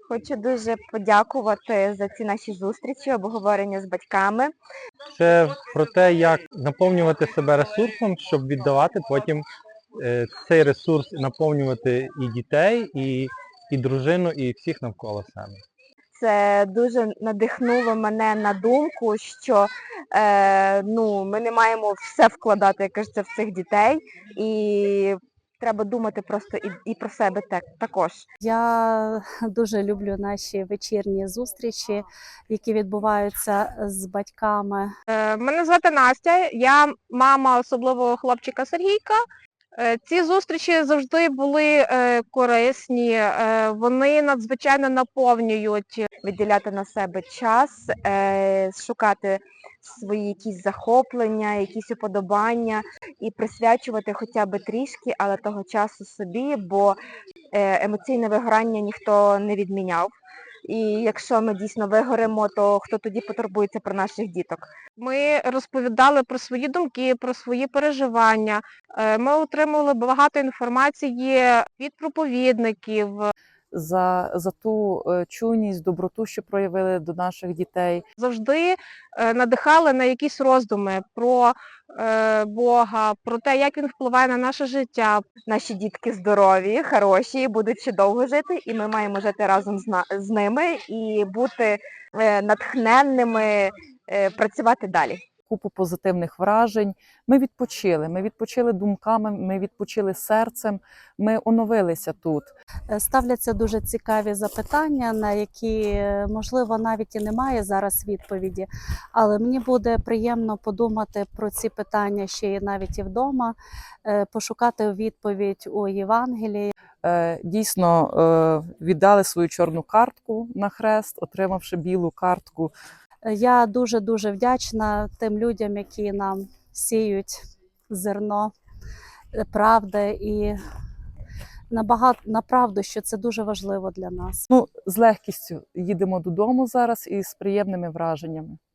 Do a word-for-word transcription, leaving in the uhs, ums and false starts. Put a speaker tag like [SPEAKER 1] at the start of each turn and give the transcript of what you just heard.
[SPEAKER 1] Хочу дуже подякувати за ці наші зустрічі, обговорення з батьками.
[SPEAKER 2] Це про те, як наповнювати себе ресурсом, щоб віддавати потім е, цей ресурс, наповнювати і дітей, і, і дружину, і всіх навколо себе.
[SPEAKER 1] Це дуже надихнуло мене на думку, що е, ну, ми не маємо все вкладати, як кажеться, в цих дітей. І треба думати просто і, і про себе так, також.
[SPEAKER 3] Я дуже люблю наші вечірні зустрічі, які відбуваються з батьками.
[SPEAKER 4] Е, Мене звати Настя, я мама особливого хлопчика Сергійка. Е, Ці зустрічі завжди були е, корисні, е, вони надзвичайно наповнюють.
[SPEAKER 1] Виділяти на себе час, е, шукати свої якісь захоплення, якісь уподобання і присвячувати хоча б трішки, але того часу собі, бо е, емоційне вигорання ніхто не відміняв. І якщо ми дійсно вигоримо, то хто тоді потурбується про наших діток?
[SPEAKER 4] Ми розповідали про свої думки, про свої переживання. Е, Ми отримували багато інформації від проповідників.
[SPEAKER 5] За, за ту е, чуйність, доброту, що проявили до наших дітей.
[SPEAKER 4] Завжди е, надихали на якісь роздуми про е, Бога, про те, як він впливає на наше життя.
[SPEAKER 1] Наші дітки здорові, хороші, будуть ще довго жити, і ми маємо жити разом з, на, з ними і бути е, натхненними, е, працювати далі.
[SPEAKER 5] Купу позитивних вражень. Ми відпочили, ми відпочили думками, ми відпочили серцем, ми оновилися тут.
[SPEAKER 3] Ставляться дуже цікаві запитання, на які, можливо, навіть і немає зараз відповіді, але мені буде приємно подумати про ці питання ще й навіть і вдома, пошукати відповідь у Євангелії.
[SPEAKER 5] Дійсно, віддали свою чорну картку на хрест, отримавши білу картку.
[SPEAKER 3] Я дуже-дуже вдячна тим людям, які нам сіють зерно правди і набагато направду, що це дуже важливо для нас.
[SPEAKER 5] Ну, з легкістю їдемо додому зараз і з приємними враженнями.